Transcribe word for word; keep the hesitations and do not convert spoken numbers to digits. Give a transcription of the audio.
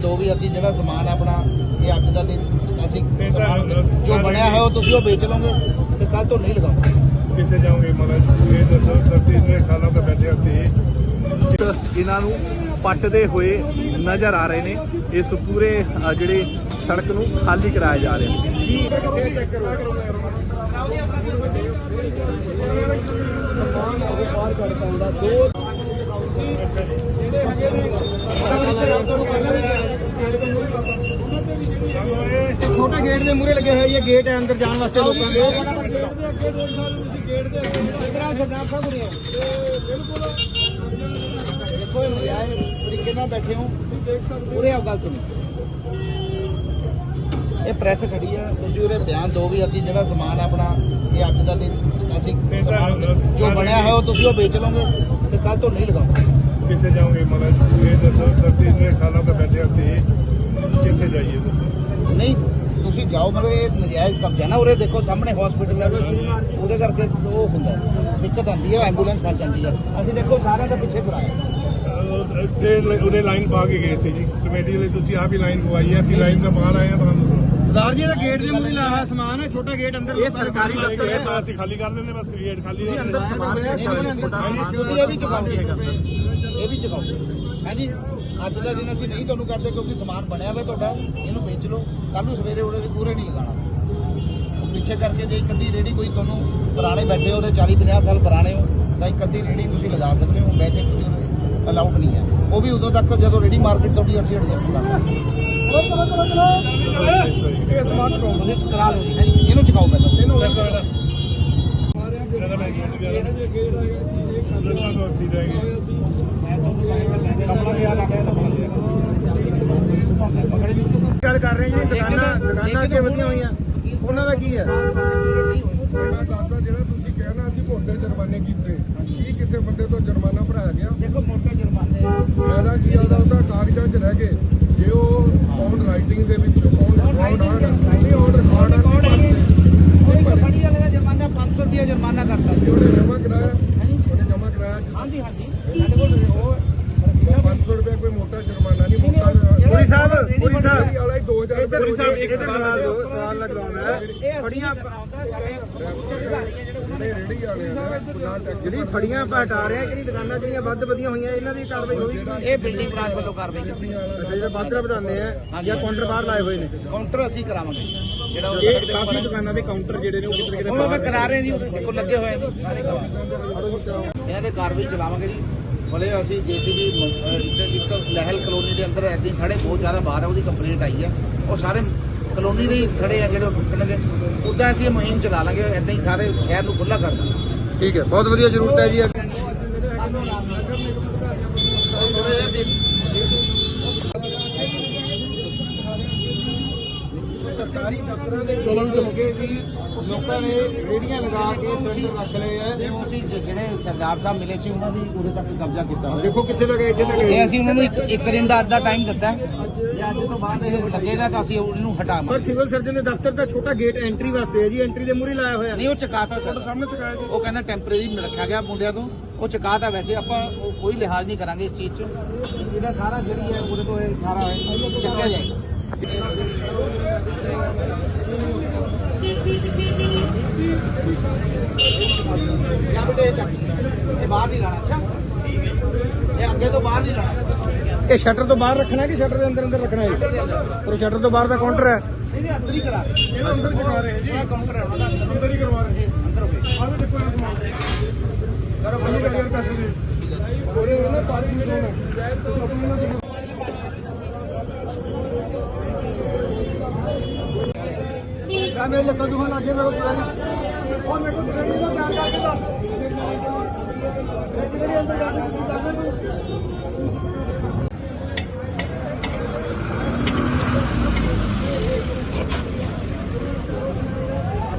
ਦੋ ਵੀ ਅਸੀਂ ਜਿਹੜਾ ਸਮਾਨ ਆਪਣਾ ਇਹ ਅੱਜ ਦਾ ਦਿਨ ਅਸੀਂ ਸਮਾਨ ਜੋ ਬਣਿਆ ਹੈ ਉਹ ਤੁਸੀਂ ਉਹ ਵੇਚ ਲਓਗੇ ਤੇ ਕੱਲ ਤੋਂ ਨਹੀਂ ਲਗਾਓਗੇ। ਕਿੱਥੇ ਜਾਓਗੇ ਮਤਲਬ ਇਹ ਦੱਸੋ ਧਰਤੀ ਦੇ ਖਾਲਾਂ ਤੇ ਬੈਠੇ ਅਸੀਂ ਇਹਨਾਂ ਨੂੰ ਪੱਟਦੇ ਹੋਏ ਨਜ਼ਰ ਆ ਰਹੇ ਨੇ। ਇਸ ਪੂਰੇ ਅ, ਜਿਹੜੇ ਸੜਕ ਨੂੰ ਖਾਲੀ ਕਰਾਇਆ ਜਾ ਰਿਹਾ ਹੈ। छोटे गेट के मूहरे लगे हुए ये गेट है अंदर जाने वास्ते लोगों के देखो नजायज तरीके ਨਾਲ बैठे हो पूरे गल सुनो ਇਹ ਪ੍ਰੈਸ ਖੜੀ ਆ ਤੁਸੀਂ ਉਹਦੇ ਬਿਆਨ ਦੋ ਵੀ ਅਸੀਂ ਜਿਹੜਾ ਸਮਾਨ ਆਪਣਾ ਇਹ ਅੱਜ ਦਾ ਦਿਨ ਅਸੀਂ ਸਮਾਨ ਜੋ ਬਣਿਆ ਹੈ ਉਹ ਤੁਸੀਂ ਉਹ ਵੇਚ ਲਓਗੇ ਤੇ ਕੱਲ ਤੋਂ ਨਹੀਂ ਲਗਾਓਗੇ। ਕਿੱਥੇ ਜਾਓਗੇ ਮਤਲਬ ਇਹ ਦੱਸੋ ਧਰਤੀ ਦੇ ਖਾਲਾਂ ਤੇ ਬੈਠੇ ਅਸੀਂ ਕਿੱਥੇ ਜਾਈਏ ਦੱਸੋ। ਨਹੀਂ ਤੁਸੀਂ ਜਾਓ ਮਤਲਬ ਇਹ ਨਜਾਇਜ਼ ਕਬਜ਼ਾ ਨਾ ਉਰੇ ਦੇਖੋ ਸਾਹਮਣੇ ਹਸਪੀਟਲ ਹੈ ਉਹਦੇ ਕਰਕੇ ਉਹ ਹੁੰਦਾ ਦਿੱਕਤ ਆਉਂਦੀ ਹੈ ਐਂਬੂਲੈਂਸ ਫਸ ਜਾਂਦੀ ਹੈ। ਅਸੀਂ ਦੇਖੋ ਸਾਰਿਆਂ ਦਾ ਪਿੱਛੇ ਕਰਾਇਆ ਉਹਨੇ ਲਾਈਨ ਪਾ ਕੇ ਗਏ ਸੀ ਜੀ ਕਮੇਟੀ ਵਾਲੇ ਤੁਸੀਂ ਆਪ ਹੀ ਲਾਈਨ ਪਵਾਈ ਹੈ ਅਸੀਂ ਲਾਈਨ ਦਾ ਬਾਹਰ ਆਏ ਹਾਂ ਤੁਹਾਨੂੰ सरदार जी का गेट के मूहरे लाया सामान है छोटा गेट अंदर ये सरकारी दफ्तर है ਅਸੀਂ ਖਾਲੀ ਕਰ ਦਿੰਦੇ ਬਸ ਗੇਟ ਖਾਲੀ अंदर सामान है ਤੁਸੀਂ ਇਹ ਵੀ ਚੁਕਾਓਗੇ ਇਹ ਵੀ ਚੁਕਾਓਗੇ ਹਾਂਜੀ ਅੱਜ ਦਾ ਦਿਨ ਅਸੀਂ ਨਹੀਂ ਤੁਹਾਨੂੰ ਕਰਦੇ ਕਿਉਂਕਿ ਸਮਾਨ ਬਣਿਆ ਹੋਇਆ ਤੁਹਾਡਾ ਇਹਨੂੰ ਵੇਚ ਲਓ ਕੱਲ ਨੂੰ ਸਵੇਰੇ ਉਹਦੇ ਪੂਰੇ ਨਹੀਂ ਲਗਾਉਣਾ ਪਿੱਛੇ ਕਰਕੇ ਜੇ ਇੱਕ ਅੱਧੀ ਰੇੜੀ ਕੋਈ ਤੁਹਾਨੂੰ ਪੁਰਾਣੇ ਬੈਠੇ ਹੋ ਚਾਲੀ ਪੰਜਾਹ ਸਾਲ ਪੁਰਾਣੇ ਹੋ ਤਾਂ ਇੱਕ ਅੱਧੀ ਰੇੜੀ ਤੁਸੀਂ ਲਗਾ ਸਕਦੇ ਹੋ ਵੈਸੇ ਤੁਸੀਂ ਅਲਾਊਡ ਨਹੀਂ ਹੈ ਉਹ ਵੀ ਉਦੋਂ ਤੱਕ ਜਦੋਂ ਰੇੜੀ ਮਾਰਕੀਟ ਤੁਹਾਡੀ ਅੱਠੀ ਹਟ ਜਾਏਗੀ ਇਹ ਸਮਾਨ ਤੁਸੀਂ ਕਰਾ ਲਓ ਜੀ ਹਾਂਜੀ ਇਹਨੂੰ ਚੁਕਾਓ ਪਹਿਲਾਂ ਆਪਣਾ ਬਿਆਨ ਆ ਗਿਆ ਗੱਲ ਕਰ ਰਹੇ ਜੀ ਦੁਕਾਨਾਂ ਦੁਕਾਨਾਂ ਅੱਗੇ ਵਧੀਆਂ ਹੋਈਆਂ ਉਹਨਾਂ ਦਾ ਕੀ ਹੈ ਇਹਨਾਂ ਦੱਸਦਾ ਜਿਹੜਾ ਤੁਸੀਂ ਕਹਿਣਾ ਅਸੀਂ ਮੋਟੇ ਜੁਰਮਾਨੇ ਕੀਤੇ ਕੀ ਕਿਸੇ ਬੰਦੇ ਤੋਂ ਜੁਰਮਾਨਾ ਭਰਾਇਆ ਗਿਆ ਦੇਖੋ ਮੋਟੇ ਜੁਰਮਾਨੇ ਫਾਇਦਾ ਕੀ ਆਦਾ ਉਹਦਾ ਕਾਗਜ਼ਾਂ 'ਚ ਰਹਿ ਗਏ ਜੇ ਉਹ ਔਨ ਰਾਈਟਿੰਗ ਦੇ ਵਿੱਚ ਔਨ ਰਿਕਾਰਡ ਆਣ ਨਹੀਂ ਔਨ ਰਿਕਾਰਡ ਆਣ ਫੜੀ ਵਾਲੇ ਦਾ ਜੁਰਮਾਨਾ ਪੰਜ ਸੌ ਰੁਪਏ ਜੁਰਮਾਨਾ ਕਰਤਾ ਜੀ ਉਹਨੇ ਜਮ੍ਹਾਂ ਕਰਾਇਆ ਉਹਨੇ ਜਮ੍ਹਾਂ ਕਰਾਇਆ ਹਾਂਜੀ ਹਾਂਜੀ ਸਾਡੇ ਕੋਲ ਉਹ ਪੰਜ ਸੌ ਰੁਪਏ ਕੋਈ ਮੋਟਾ ਜੁਰਮਾਨਾ ਨਹੀਂ ਮੋਟਾ ਪੁਰੀ ਸਾਹਿਬ ਪੁਰੀ ਸਾਹਿਬ ਵਾਲਾ ਹੀ ਦੋ ਹਜ਼ਾਰ ਪੁਰੀ ਸਾਹਿਬ ਇੱਕ ਸਵਾਲ ਸਵਾਲ ਲਗਾਉਣਾ ਹੈ ਫੜੀਆਂ ਰੇੜੀ ਵਾਲੇ ਜਿਹੜੀ ਫੜੀਆਂ ਹਟਾ ਰਿਹਾ ਜਿਹੜੀ ਦੁਕਾਨਾਂ ਜਿਹੜੀਆਂ ਵੱਧ ਵਧੀਆਂ ਹੋਈਆਂ ਇਹਨਾਂ ਦੀ ਕਾਰਵਾਈ ਹੋਈ ਇਹ ਬਿਲਡਿੰਗ ਬ੍ਰਾਂਚ ਵੱਲੋਂ ਕਾਰਵਾਈ ਕੀਤੀ ਜਿਹੜਾ ਵੱਧ ਵਧਾਉਂਦੇ ਆ ਜਾਂ ਕਾਊਂਟਰ ਬਾਹਰ ਲਾਏ ਹੋਏ ਨੇ ਕਾਊਂਟਰ ਅਸੀਂ ਕਰਾਵਾਂਗੇ ਜਿਹੜਾ ਉਹ ਇਹ ਕਾਫੀ ਦੁਕਾਨਾਂ ਦੇ ਕਾਊਂਟਰ ਜਿਹੜੇ ਨੇ ਉਹ ਕਿਤੇ ਕਿਤੇ ਹੁਣ ਉਹ ਕਰਾ ਰਹੇ ਨੇ ਦੇਖੋ ਲੱਗੇ ਹੋਏ ਨੇ ਸਾਰੇ ਕਰਾ ਇਹਨਾਂ ਦੇ ਕਾਰਵਾਈ ਚਲਾਵਾਂਗੇ ਜੀ ਭਲੇ ਅਸੀਂ ਜੇਸੀਬੀ ਇੱਕ ਲਹਿਲ ਕਲੋਨੀ ਦੇ ਅੰਦਰ ਐਦਾਂ ਹੀ ਖੜੇ ਬਹੁਤ ਜ਼ਿਆਦਾ ਬਾਹਰ ਹੈ ਉਹਦੀ ਕੰਪਲੇਂਟ ਆਈ ਹੈ ਉਹ ਸਾਰੇ ਕਲੋਨੀ ਦੇ ਖੜੇ ਆ ਜਿਹੜੇ ਉਹ ਟੁੱਟਣਗੇ ਉੱਦਾਂ ਅਸੀਂ ਇਹ ਮੁਹਿੰਮ ਚਲਾ ਲਾਂਗੇ ਐਦਾਂ ਹੀ ਸਾਰੇ ਸ਼ਹਿਰ ਨੂੰ ਖੁੱਲ੍ਹਾ ਕਰ ਦਾਂਗੇ। ਠੀਕ ਹੈ ਬਹੁਤ ਵਧੀਆ ਜ਼ਰੂਰਤ ਹੈ ਜੀ ਸਰਕਾਰੀ ਦਫ਼ਤਰਾਂ ਦੇ ਚਲੋ ਚੁੱਕੇ ਵੀ ਲੋਕਾਂ ਨੇ ਰੇੜੀਆਂ ਲਗਾ ਕੇ ਸਿਲੰਡਰ ਰੱਖ ਲਏ ਆ ਅਸੀਂ ਜਿਹੜੇ ਸਰਦਾਰ ਸਾਹਿਬ ਮਿਲੇ ਸੀ ਉਹਨਾਂ ਦੀ ਉਰੇ ਤੱਕ ਕਬਜ਼ਾ ਕੀਤਾ ਹੋਇਆ ਦੇਖੋ ਕਿੱਥੇ ਲਗੇ ਇੱਥੇ ਲਗੇ ਇਹ ਅਸੀਂ ਉਹਨਾਂ ਨੂੰ ਇੱਕ ਇੱਕ ਦਿਨ ਦਾ ਅੱਧਾ ਟਾਈਮ ਦਿੱਤਾ ਤੇ ਅੱਜ ਤੋਂ ਬਾਅਦ ਇਹ ਲੱਗੇਗਾ ਤਾਂ ਅਸੀਂ ਉਹਨੂੰ ਪਰ ਹਟਾਵਾਂਗੇ। ਸਿਵਲ ਸਰਜਨ ਦੇ ਦਫ਼ਤਰ ਦਾ ਛੋਟਾ ਗੇਟ ਐਂਟਰੀ ਵਾਸਤੇ ਹੈ ਜੀ ਐਂਟਰੀ ਦੇ ਮੂਹਰੇ ਲਾਇਆ ਹੋਇਆ ਨਹੀਂ ਉਹ ਚਕਾਤਾ ਸਰ ਸਾਹਮਣੇ ਚਕਾਇਆ ਉਹ ਕਹਿੰਦਾ ਟੈਂਪਰੇਰੀ ਰੱਖਿਆ ਗਿਆ ਮੁੰਡਿਆਂ ਤੋਂ ਉਹ ਚਕਾਤਾ ਵੈਸੇ ਆਪਾਂ ਉਹ ਕੋਈ ਲਿਹਾਜ਼ ਨਹੀਂ ਕਰਾਂਗੇ ਇਸ ਚੀਜ਼ 'ਚ ਇਹਦਾ ਸਾਰਾ ਜਿਹੜੀ ਹੈ ਉਹਦੇ ਤੋਂ ਇਹ ਸਾਰਾ ਚੱਕਿਆ ਜਾਏਗਾ। ਜਾਂ ਬੇਟੇ ਇਹ ਚੱਕ ਇਹ ਬਾਹਰ ਨਹੀਂ ਲਾਣਾ ਅੱਛਾ ਇਹ ਅੱਗੇ ਤੋਂ ਬਾਹਰ ਨਹੀਂ ਲਾਣਾ ਇਹ ਸ਼ਟਰ ਤੋਂ ਬਾਹਰ ਰੱਖਣਾ ਕਿ ਸ਼ਟਰ ਦੇ ਅੰਦਰ ਅੰਦਰ ਰੱਖਣਾ ਹੈ ਪਰ ਸ਼ਟਰ ਤੋਂ ਬਾਹਰ ਦਾ ਕਾਊਂਟਰ ਹੈ ਨਹੀਂ ਨਹੀਂ ਅੰਦਰ ਹੀ ਕਰਾ ਇਹ ਅੰਦਰ ਕਰਵਾ ਰਹੇ ਜੀ ਇਹ ਕਾਊਂਟਰ ਹੈ ਉਹਨਾਂ ਦਾ ਅੰਦਰ ਹੀ ਕਰਵਾ ਰਹੇ ਅੰਦਰ ਹੋ ਗਏ ਆਹ ਦੇਖੋ ਇਹ ਸਮਾਨ ਕਰੋ ਬੰਦ ਕਰ ਪੈਸੇ ਦੇ ਉਹਨੇ ਉਹਨੇ ਪਾਣੀ ਮਿਲਣਾ ਆ ਮੇਰੇ ਲੱਤਾਂ ਦੁਖਣ ਲੱਗੇ ਮੇਰੇ ਕੋਲ ਉਹ ਮੇਰੇ ਕੋਲ ਟ੍ਰੇਨਿੰਗ ਦਾ ਬਿਆਨ ਕਰਕੇ ਦੱਸ ਮੇਰੇ ਅੰਦਰ ਜਾ ਕੇ